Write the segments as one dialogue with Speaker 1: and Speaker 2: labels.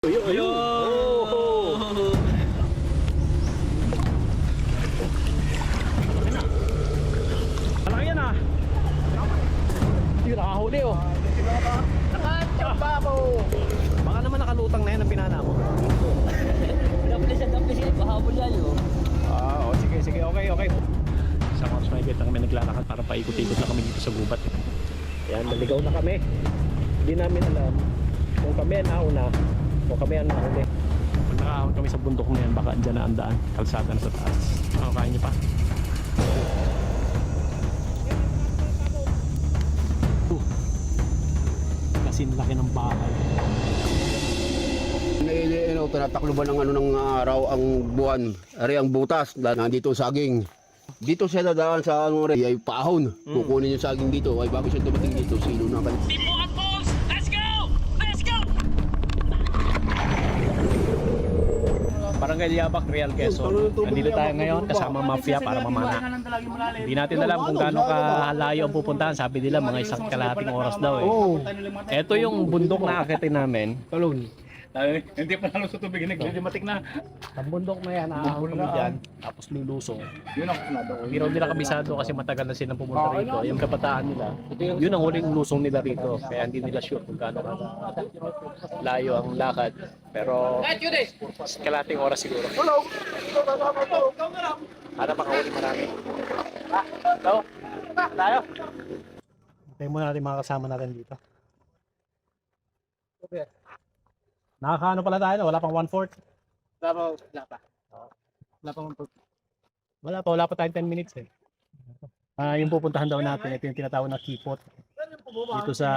Speaker 1: Ayun! Oh! Malaki yan ah! Hindi nakahuli oh!
Speaker 2: Nakachamba mo!
Speaker 1: Baka naman nakalutang na yan ang pinana mo.
Speaker 2: Damplis yan, pahabol yan yun.
Speaker 1: Oh, sige, okay. Sa mga sumigit na kami naglalakad para paikot-ikot na kami dito sa gubat. Yan, naligaw na kami. Hindi namin alam kung kami ang nauna o kami ang nahuli. Pag nakahon kami sa bundok na yan, baka andyan na ang daan. Kalsada na sa taas. Kaya niyo pa. Kasi laki ng bahay.
Speaker 3: Tinatakluban ng ng araw ang buwan, ari ang butas, nandito saging. Dito siya dadaan sa ay paahon. Kukunin yung saging dito, ay bago siya dumating dito, silo na kan.
Speaker 1: Barangay Yabak, Real Quezon. Nandito tayo ngayon kasama mafia para mamana. Hindi natin alam kung gaano kalayo ang pupuntahan. Sabi nila mga isang kalahating oras daw eh. Ito yung bundok na akitin namin.
Speaker 4: Hindi pa nalo sa tubig, nagdidimatik na.
Speaker 1: Ang bundok na yan, aahon kami dyan. Tapos lulusong.
Speaker 4: Yun ang kunado ko.
Speaker 1: Hindi raw nila kabisado kasi matagal na silang pumunta rito. Yung kabataan nila, yun ang huling lusong nila rito. Kaya hindi nila sure kung gaano layo ang lakad. Pero kalahating oras siguro. Para makahuli marami. Hello? Tayo? Hintayin muna natin mga kasama natin dito. Nakakaano pala tayo? Wala pang 1/4?
Speaker 4: Wala pa.
Speaker 1: Wala pa tayong 10 minutes eh. Yung pupuntahan daw natin, ito yung tinatawag na Kipot. Dito sa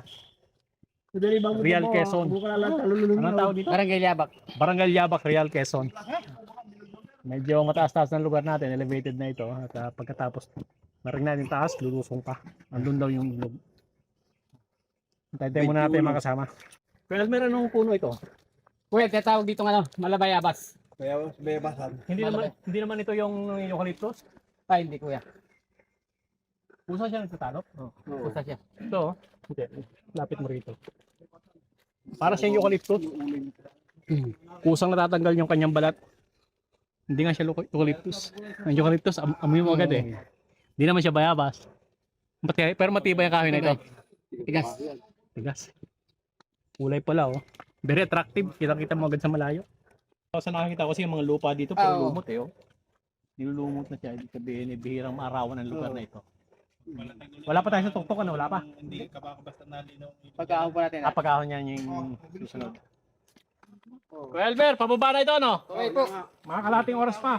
Speaker 1: Real Quezon. Anong tawag dito?
Speaker 2: Barangay Yabak.
Speaker 1: Barangay Yabak, Real Quezon. Medyo mataas-taas ng lugar natin, elevated na ito. At pagkatapos maring natin taas, lulusong pa. Andun daw yung ilog. Hintayin muna natin mga kasama. Pero meron nung puno ito.
Speaker 2: Kuya, tatawag dito nga Malabayabas.
Speaker 4: Kaya bayabasan.
Speaker 1: Hindi naman ito yung eucalyptus.
Speaker 2: Ay, hindi kuya.
Speaker 1: Pusa siya nagtatalop.
Speaker 2: Pusa siya.
Speaker 1: Ito, hindi. Lapit mo rito. Para siyang eucalyptus. Kusang natatanggal yung kanyang balat. Hindi nga siya eucalyptus. Ang eucalyptus, amoy mo agad eh. Hindi naman siya bayabas. Pero matibay ang kahoy na ito.
Speaker 2: Tigas.
Speaker 1: Tigas. Kulay pala oh. Very attractive. Kita-kita mo agad sa malayo. Sa nakakita ko kasi yung mga lupa dito, puro lumot eh oh. Nilulumot na siya. Ibig sabihin, bihirang maarawan ang lugar na ito. Wala pa tayo sa tuktok, ano? Wala pa?
Speaker 4: Hindi ka baka basta nalinaw.
Speaker 2: Pagkaahon po natin.
Speaker 1: Pagkahon niya yung susunod. Kuya Albert, pababa na ito, no?
Speaker 2: Okay po.
Speaker 1: Mga kalating oras pa.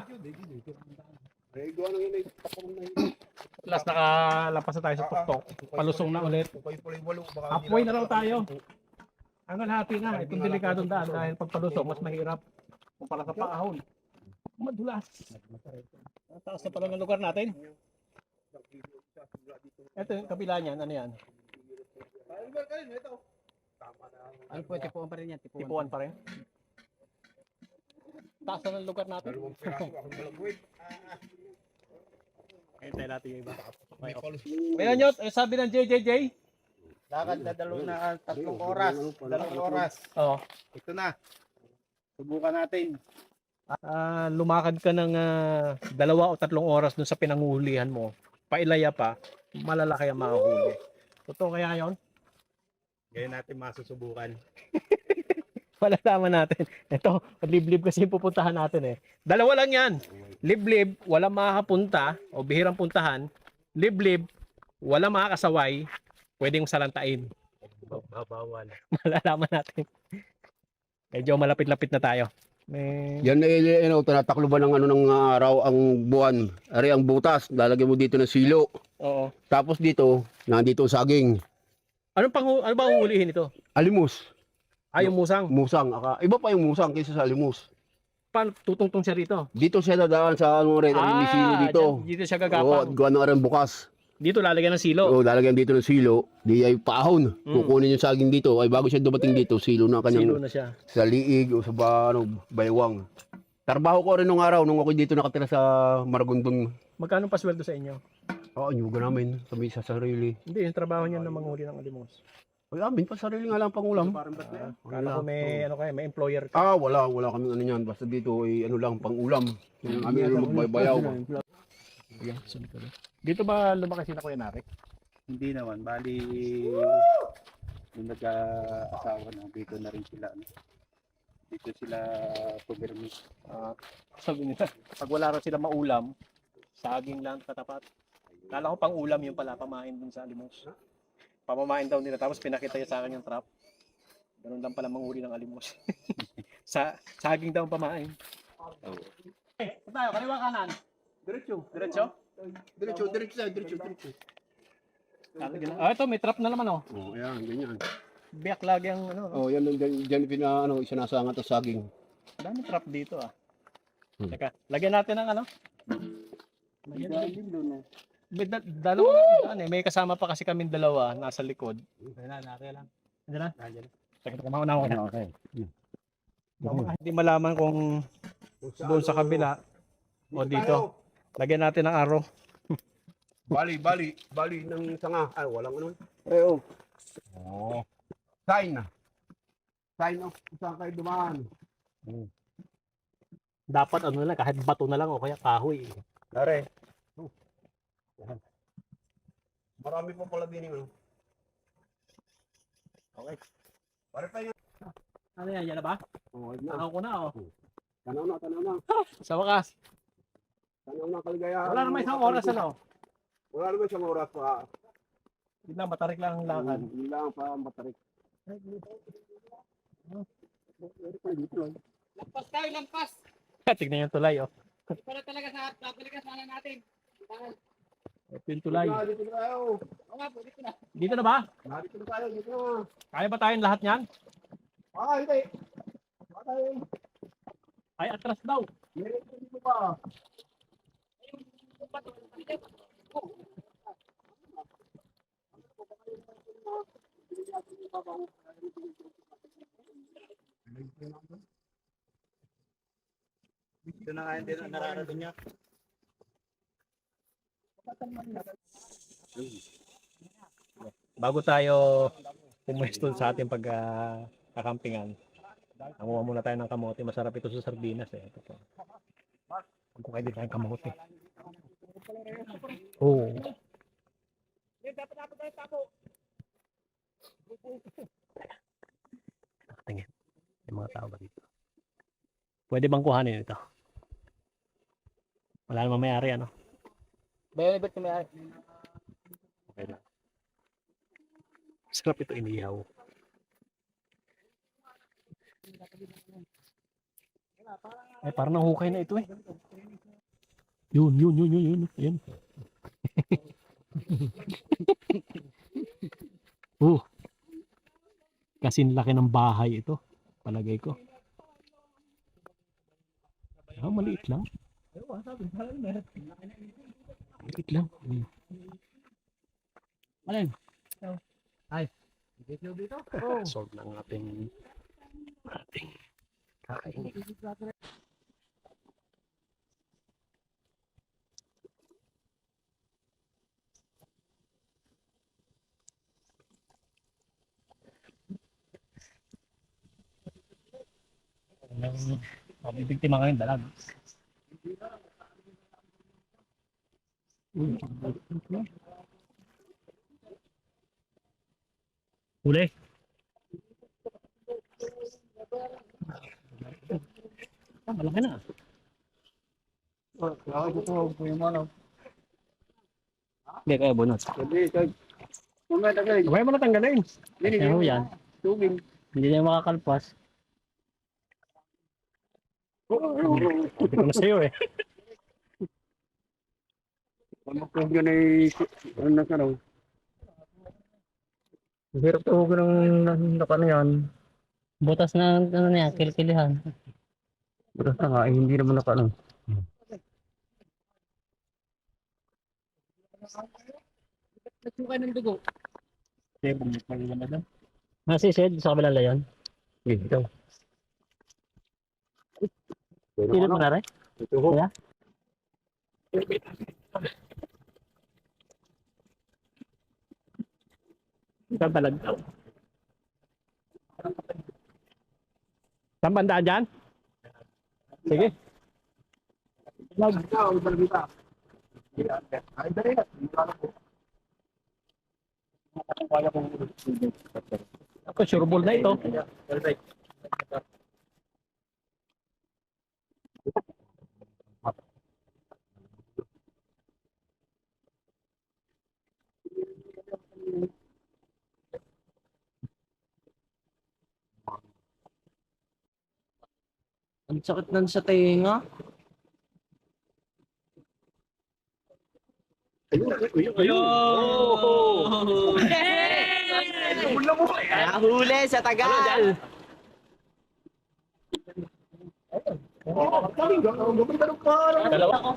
Speaker 1: Last nakalapas na tayo sa tuktok. Palusong na ulit. Halfway na raw tayo. Hanggang happy na. Itong delikadong daan dahil pag palusong, mas mahirap kumpara sa paahon. Madulas. Taas na pala ng lugar natin. Ito yung kabila niyan. Ano yan?
Speaker 2: Ano po, tipuan pa rin yan.
Speaker 1: Tipuan pa rin. Taas na ng lugar natin. Hintay natin yung iba. Kaya nyo, sabi ng JJJ.
Speaker 4: Lakad na 3 oras. 2 oras.
Speaker 1: Oo.
Speaker 4: Ito na. Subukan natin.
Speaker 1: Lumakad ka ng 2 o 3 oras dun sa pinanguhulihan mo. Pailaya pa, malalaki ang makahuli. Totoo kaya yon?
Speaker 4: Ngayon natin masusubukan.
Speaker 1: Malalaman natin. Ito, liblib kasi yung pupuntahan natin eh. 2 lang yan. Liblib, walang makakapunta o bihirang puntahan. Liblib, walang makakasaway. Pwedeng salantain.
Speaker 4: Bawal.
Speaker 1: Malalaman natin. Medyo malapit-lapit na tayo.
Speaker 3: Yan tinatakluban ng ng araw ang buwan, ari ang butas, lalagyan mo dito ng silo.
Speaker 1: Oo.
Speaker 3: Tapos dito, nandito saging.
Speaker 1: Ano ba huhulihin ito?
Speaker 3: Alimus.
Speaker 1: Yung musang.
Speaker 3: Musang. Iba pa yung musang kaysa sa alimus.
Speaker 1: Paano tutungtong siya rito?
Speaker 3: Dito siya dadaan sa may silo dito.
Speaker 1: Dito siya
Speaker 3: Oo,
Speaker 1: gagapang.
Speaker 3: gawa ng arang bukas.
Speaker 1: Dito lalagyan ng silo.
Speaker 3: Oo, lalagyan dito ng silo, di ay paahon. Kukunin yung saging dito, ay bago siya dumating dito, silo na
Speaker 1: Silo
Speaker 3: kanyang
Speaker 1: na siya.
Speaker 3: sa liig o sa baywang. Trabaho ko rin nung araw, nung ako dito nakatira sa Maragondon.
Speaker 1: Magkano pa sweldo sa inyo?
Speaker 3: Oo, anyuga namin, kami sa sarili.
Speaker 1: Hindi, yung trabaho niya na manghuli ng alimos.
Speaker 3: Ay, amin pa sarili nga lang pang ulam.
Speaker 1: Kala ko may, ano kayo, may employer ka.
Speaker 3: Wala kami ano niyan. Basta dito ay ano lang pang ulam. Yung amin ano magbaybayaw.
Speaker 1: Dito ba lumaki sila Kuya Nari?
Speaker 4: Hindi naman, bali yung nagka-asawa na dito na rin sila. Ano. Dito sila pumirmi.
Speaker 1: Sabi nila, pag wala rin sila maulam, saging lang katapat. Kala ko pang ulam yung pala, pamain dun sa alimos. Pamamain daw nila, tapos pinakita niya sa akin yung trap. Ganun lang pala manguri ng alimos. Saging daw ang pamain. Saan tayo? Kaliwa kanan? Diretso. Diretso?
Speaker 3: Diretso.
Speaker 1: Ito, may trap na naman oh.
Speaker 3: Oh, ayan, ganyan.
Speaker 1: Biyak lagi ang ano.
Speaker 3: Oh, yan dyan ano, isinasangat ang saging.
Speaker 1: Dami trap dito ah. Teka, lagyan natin ng ano.
Speaker 4: Lagyan natin din doon.
Speaker 1: Dalawa may kasama pa kasi kaming dalawa nasa likod. Nandiyan na. Teka, kumauna ako na.
Speaker 3: Okay.
Speaker 1: Hindi malaman kung doon sa kabila o dito. Lagyan natin ng araw.
Speaker 3: Bali ng sanga. Ay, walang ano. Oh. Sign of saan kayo dumaan.
Speaker 1: Dapat ano na lang, kahit bato na lang o kaya kahoy.
Speaker 3: Dare. Marami po pala din ano.
Speaker 1: Okay.
Speaker 3: Pare pa yan.
Speaker 1: Ano yan? Yan na ba?
Speaker 3: Oh,
Speaker 1: Tanaw ko na oh.
Speaker 3: Tanaw na.
Speaker 1: Sa wakas.
Speaker 3: Tanaw na kaligayahan.
Speaker 1: Wala naman isang oras ano.
Speaker 3: Wala naman isang oras pa.
Speaker 1: Hindi lang, matarik lang ang lakad.
Speaker 3: Hindi lang pa matarik.
Speaker 2: Lampas tayo, lampas.
Speaker 1: Tignan yung tulay oh.
Speaker 2: Para talaga sa talaga sana natin.
Speaker 1: Ito yung tulay.
Speaker 3: Dito na tayo.
Speaker 2: Oo nga po, dito na.
Speaker 1: Dito na ba?
Speaker 3: Dito na tayo. Dito na.
Speaker 1: Kaya ba tayong lahat yan?
Speaker 3: Hindi. Patay.
Speaker 1: Ay, atras daw.
Speaker 3: Meron dito pa.
Speaker 4: Ito na nga hindi na nararating niya.
Speaker 1: Bago tayo pumuesto sa ating pagkakampingan, nanguha muna tayo ng kamote. Masarap ito sa sardinas eh. Ito po. Kung din tayong kamote. Oo. Tingin. May mga tao ba dito? Pwede bang kuhanin ito? Wala namang may-ari ano?
Speaker 2: Bayan ba't may
Speaker 1: Okay lang. Sarap ito inihaw. Ay, parang nahukay na ito eh. Yun. Ayan. Kasing laki ng bahay ito. Palagay ko. Maliit lang. Maliit lang. Malin. Ay. Dito. Solve lang ating kakainin. Mabibigtima kayong dalag. Huli. Malaki na. Hindi kaya bunot. Kaya mo natanggalin. Ano yan? Hindi na makakalpas. Hindi ko na sa'yo eh. Hirap tuhugan ng nakano yan. Butas na ano niya, kilkilihan. Butas na nga, hindi naman nakano.
Speaker 2: Nagsukay ng dugo.
Speaker 1: Okay, bumalik pa rin na doon. Nasisid sa kabilang layon? Dito. Pilit mo na rin?
Speaker 3: Ito ho.
Speaker 1: Kaya? Ikaw balag daw. Saan bandaan dyan? Sige. Ako, sureball na ito.
Speaker 2: Ang sakit nun sa tenga.
Speaker 5: Nahuli sa tagal.
Speaker 1: Dalawa.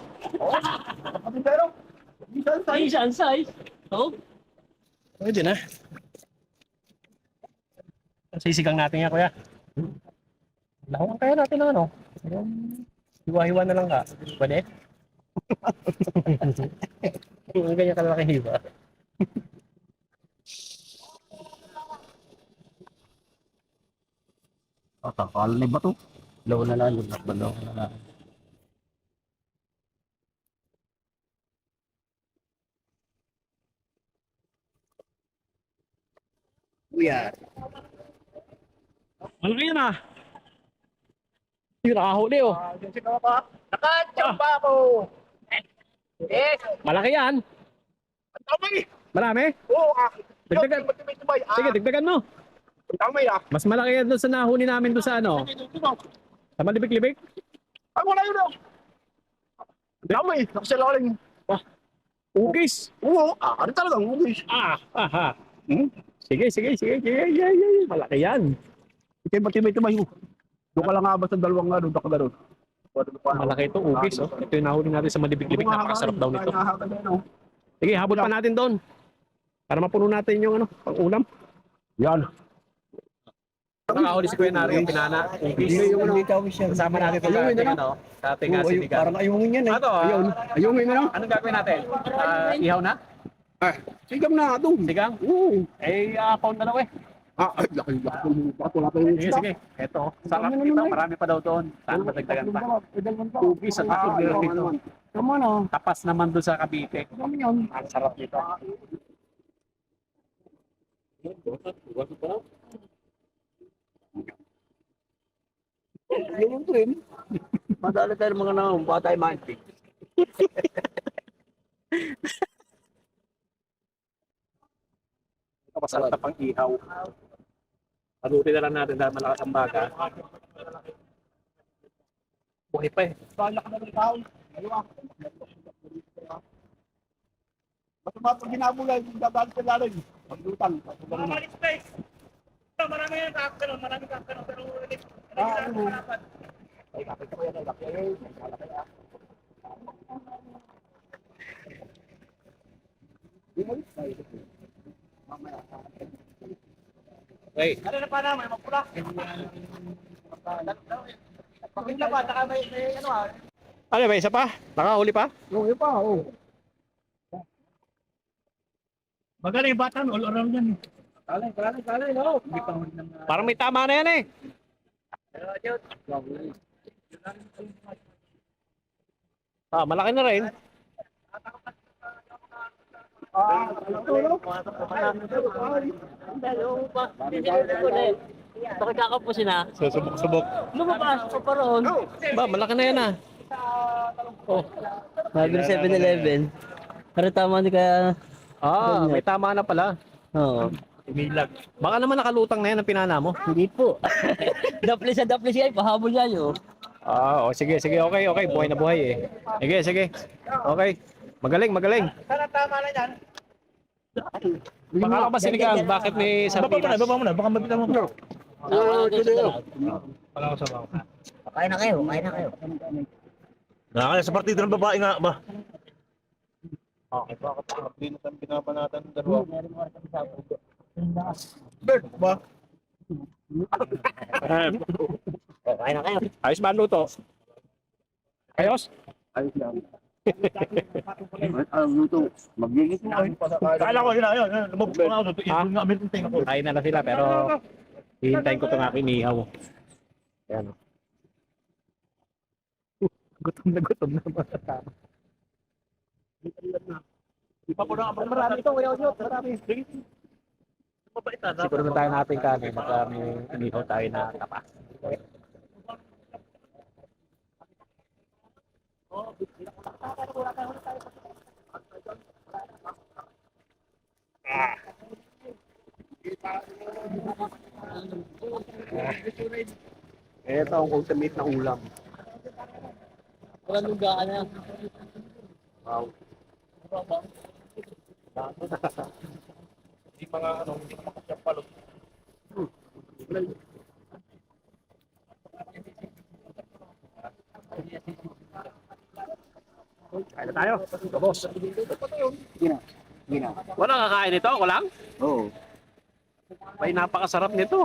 Speaker 2: Asian size. Oh.
Speaker 1: Pwede na. Sisigang natin yan, kuya. Lahuan kaya natin ng ano? Hiwa-hiwa na lang ka. Pwede? Ang ganyan kalaki hiwa.
Speaker 3: Takal na ba to? Law na lang, law na lang.
Speaker 1: Malaki yan ah. Yung nakahuli oh.
Speaker 3: Nakachamba ako! Yes!
Speaker 1: Malaki yan.
Speaker 3: Tamay!
Speaker 1: Marami?
Speaker 3: Oo,
Speaker 1: Dagdagan. Sige, dagdagan mo.
Speaker 3: Tamay ah!
Speaker 1: Mas malaki yan doon sa nahuli namin doon sa ano. Sa malibig-libig.
Speaker 3: Ay, wala yun oh! Tamay! Nakasalaling!
Speaker 1: Ugis.
Speaker 3: Oo, ano talagang ubis?
Speaker 1: Aha.
Speaker 3: Hmm?
Speaker 1: Sige. Yeah. Malaki yan.
Speaker 3: Ito ba yung doon ka lang nga basta dalawang nga doon ka gano'n.
Speaker 1: Malaki ito, ugis oh. Ito yung nahuli natin sa malibig-libig. Napakasarap daw nito. Sige, habol pa natin doon. Para mapuno natin yung ano, pang-ulam.
Speaker 3: Yan.
Speaker 1: Nakahuli si Kuya Nari yung pinana. Ugis. Kasama natin ito sa ating ano, sa ating sinigang.
Speaker 3: Parang ayungin yan eh.
Speaker 1: Ano,
Speaker 3: Ayungin mo na.
Speaker 1: anong gagawin natin? Ihaw na?
Speaker 3: Sigam na ito.
Speaker 1: Sigang?
Speaker 3: Oo.
Speaker 1: Pound na daw eh.
Speaker 3: Laki. Wala pa yung
Speaker 1: Sige. Eto, sarap ito. Marami pa daw doon. Saan madagdagan pa? Ugis at nakagir dito.
Speaker 3: Tama na.
Speaker 1: Tapas naman doon sa Cavite.
Speaker 3: Tama yan.
Speaker 1: Ang sarap dito.
Speaker 3: Yung trim. Madali tayo mga nang batay mantik.
Speaker 1: Masarap na pang ihaw. Palutin na lang natin dahil malakas ang baga. Buhay pa eh.
Speaker 3: Bala ka na ng tao. Basta pag ginabulay, dadaan sa lalim. Paglutan.
Speaker 2: Marami yung kakano, pero
Speaker 3: Ay, kapit ko yan.
Speaker 1: Okay.
Speaker 2: ano na pa na, may mapula. Pakita ba, saka may ano ah.
Speaker 1: Ano ba, isa pa? Nakahuli pa?
Speaker 3: Yung iba, oo.
Speaker 2: Magaling yung bata, all around yan.
Speaker 3: Kalay, no?
Speaker 1: Parang may tama na yan eh. Malaki na rin.
Speaker 2: Bakit kakapusin na?
Speaker 1: Subok-subok.
Speaker 2: Lumabas pa pa roon.
Speaker 1: Ba, malaki na yan ah. Oh.
Speaker 5: Sabi ng 7-Eleven. Pero tama di kaya...
Speaker 1: May tama na pala.
Speaker 5: Oo.
Speaker 1: Milag. Baka naman nakalutang na yan ang pinana mo.
Speaker 5: Hindi po. Dapli siya, pahabol yan yun.
Speaker 1: Sige. Okay. Buhay na buhay eh. Sige. Okay. Magaling.
Speaker 2: Sana tama na yan.
Speaker 1: Baka ka ba sinigang? Bakit may sardinas?
Speaker 2: Baba mo na, baka mabitan mo.
Speaker 5: Kain na kayo.
Speaker 6: Nakakaya sa partido ng babae nga ba?
Speaker 4: Okay, bakit hindi na tayo binabanatan ng dalawa?
Speaker 6: Bert ba?
Speaker 5: Kain na kayo.
Speaker 1: Ayos ba ang luto? Ayos?
Speaker 3: Ayos lang. Ang luto. Magigit na.
Speaker 6: Kala ko yun. Lumabas pa nga ako. Ibon nga amin yung tinga ko.
Speaker 1: Kain na sila pero Hihintayin ko itong aking ihaw. Ayan o. Gutom na mga tao. Marami ito, kuya Onyot. Marami. Siguro na tayo natin kanin. Baka may inihaw tayo na tapas. Ito ang ultimate na ulam.
Speaker 2: Walang lugaan na.
Speaker 1: Wow. Hindi mga ano, hindi ka makasyapalo. Kain na tayo. Boss. Wala kakain nito? Ako lang?
Speaker 4: Oo.
Speaker 1: May napakasarap nito.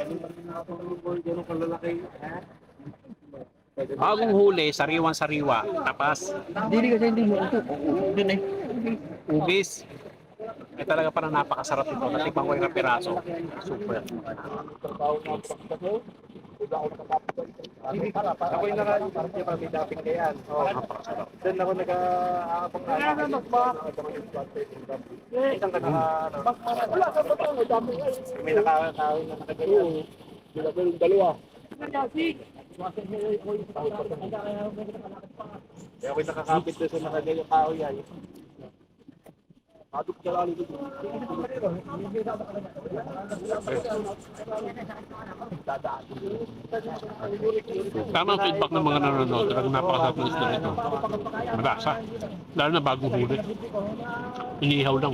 Speaker 1: Bagong huli, sariwan-sariwa. Tapas.
Speaker 2: Hindi mo ito. Doon eh.
Speaker 1: Ubis. Ay talaga parang napakasarap ito. Natikman ko yung piraso. Super.
Speaker 6: Ako yung nakain parang yung kami dating kayan.
Speaker 1: Napakasarap.
Speaker 6: Doon ako nag-aabang isang wala ka pa ang dami. May nakakawin na nakagayan. Dalawa. Kaya ako'y nakakapit doon sa nakagayang kahoy yan. Aduk jalan itu.
Speaker 1: Tama ang feedback ng mga nanonood. Talagang napakasarap ng isda nito. Malasa. Lalo na bagong huli. Inihaw lang.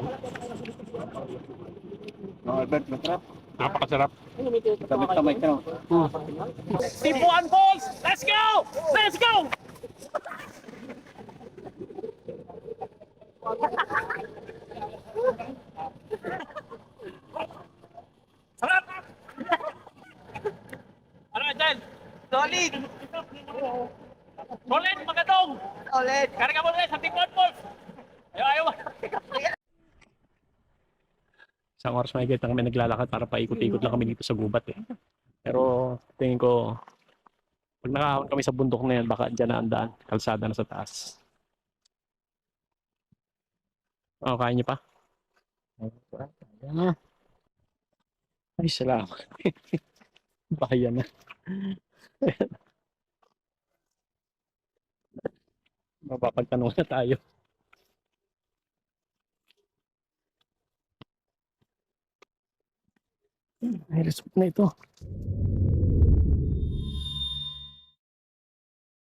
Speaker 4: Albert, masarap.
Speaker 1: Napakasarap.
Speaker 4: Tamay ka no?
Speaker 1: Tipuan Falls! Let's go! Let's go! Sarap! Ano dyan?
Speaker 2: Solid!
Speaker 1: Solid, magatong!
Speaker 2: Solid!
Speaker 1: Karga mo rin sa Tipuan Falls! Ayaw! Isang oras may na kami naglalakad para paikot-ikot lang kami dito sa gubat eh. Pero tingin ko, pag nakahon kami sa bundok na yan, baka dyan na ang daan. Kalsada na sa taas. Oh, kain niyo pa? Ay, salamat. Bahayan na. Mapapagtanong na tayo. Ay, resort na ito.